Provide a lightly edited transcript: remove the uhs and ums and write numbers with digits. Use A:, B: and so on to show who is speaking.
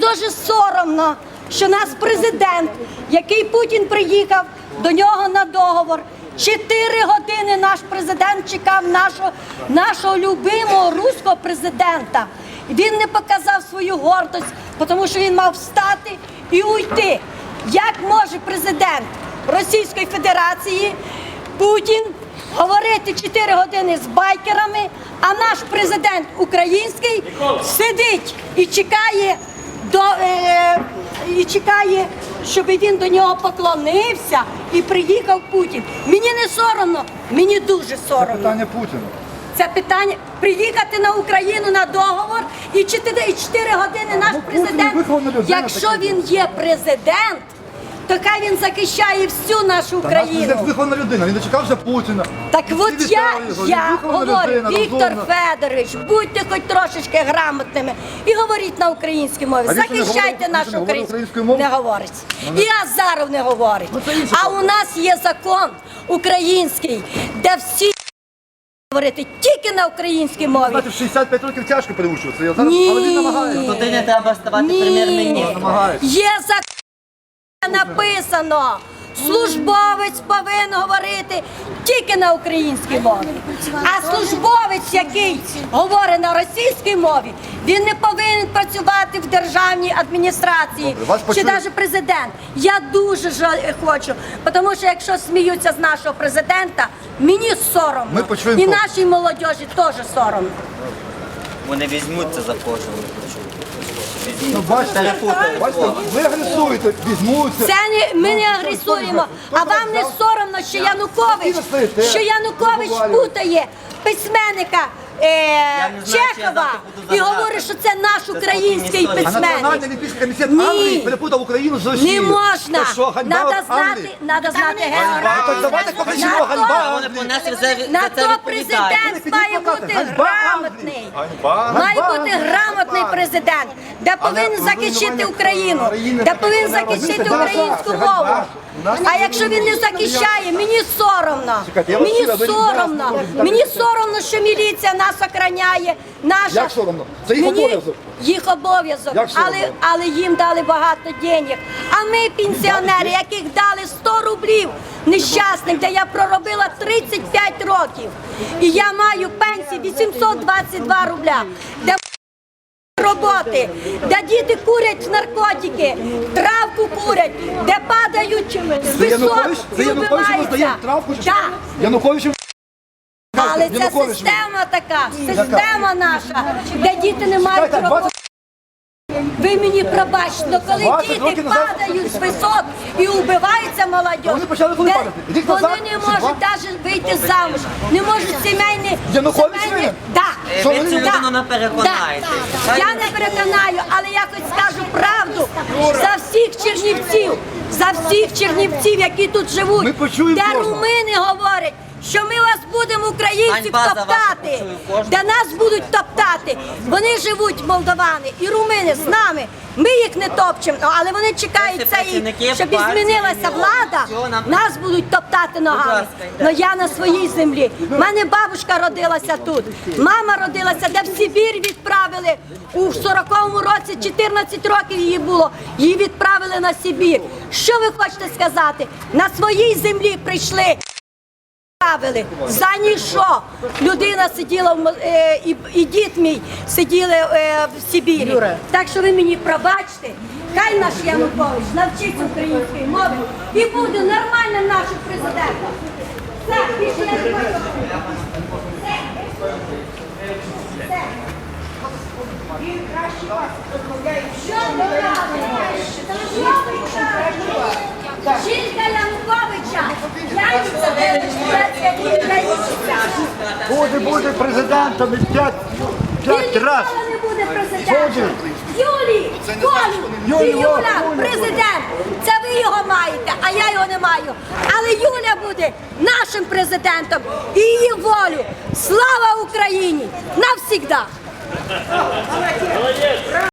A: дуже соромно, що наш президент, який Путін приїхав до нього на договор, 4 години наш президент чекав нашого любимого руського президента. Він не показав свою гордость, тому що він мав встати і уйти. Як може президент Російської Федерації Путін говорити 4 години з байкерами, а наш президент український сидить і чекає, щоб він до нього поклонився і приїхав Путін. Мені не соромно, мені дуже соромно.
B: Це питання Путіна.
A: Це питання приїхати на Україну на договор і 4 години наш президент, якщо він є президент, то хай він захищає всю нашу Україну.
B: Наш вихована людина, він дочекався Путіна.
A: Так от я говорю, Віктор Федорович, будьте хоч трошечки грамотними і говоріть на українській мові. Захищайте нашу українську мову. Не говорить. І Азаров не говорить. А у нас є закон український, де всі говорити тільки на українській мові.
B: В 65 років тяжко переучуватися, але він намагається.
C: Туди не треба ставати прем'єр-міністром.
A: Є закон, написано, службовець повинен говорити тільки на українській мові. А службовець, який говорить на російській мові, він не повинен працювати в державній адміністрації, чи навіть президент. Я дуже хочу, тому що якщо сміються з нашого президента, мені соромно. І нашій молодіжі теж соромно.
C: Вони візьмуться за кожного.
B: Бачите, ви агресуєте, візьмуться.
A: Це ми не агресуємо, а вам не соромно, що Янукович путає письменника Чехова і говорить, що це наш український
B: А
A: письменник.
B: Національний олімпійський комітет Англії перепутав Україну з Росією.
A: Не можна. Треба знати географію.
B: Давайте покажімо, ганьба.
A: На то президент має бути грамотний. Має бути грамотний президент, де повинен захищати Україну, де повинен захищати українську мову. А якщо він не захищає, мені соромно. Мені соромно, що міліція нас охороняє.
B: Як соромно? Це їх обов'язок.
A: Їх обов'язок, але їм дали багато денег. А ми, пенсіонери, яких дали 100 рублів нещасних, де я проробила 35 років. І я маю пенсію 822 рубля. Де роботи, де діти курять наркотики, травку курять, де падають з висот і вбиваються.
B: Януковичу.
A: Але це система така, система наша, де діти не мають роботи. Ви мені пробачте, коли діти падають з висот і вбиваються молодь, вони не можуть навіть вийти замуж, не можуть сімейні...
C: Ви цю людину не переконаєте.
A: Я не переконаю, але я хоч скажу правду за всіх чернівців, які тут живуть, де румини говорять, що ми вас будемо, українців, топтати, де нас будуть топтати. Вони живуть, молдавани і румини, з нами. Ми їх не топчемо, але вони чекають, щоб змінилася влада, нас будуть топтати ногами. Но я на своїй землі. У мене бабушка родилася тут, мама родилася, де в Сибір відправили. У 40-му році 14 років її було, її відправили на Сибір. Що ви хочете сказати? На своїй землі прийшли. За ніщо. Людина сиділа, і дід мій сиділи в Сибірі. Так що ви мені пробачте, хай наш Янукович навчиться української мови і буде нормальним нашим президентом. Все, більше я не хочу. Все. Що ви робите? Жінка Януковича,
B: Буде президентом і 5 разів.
A: Він ніколи не буде президентом. Юля, президент, це ви його маєте, а я його не маю. Але Юля буде нашим президентом і її волю. Слава Україні! Навсігда!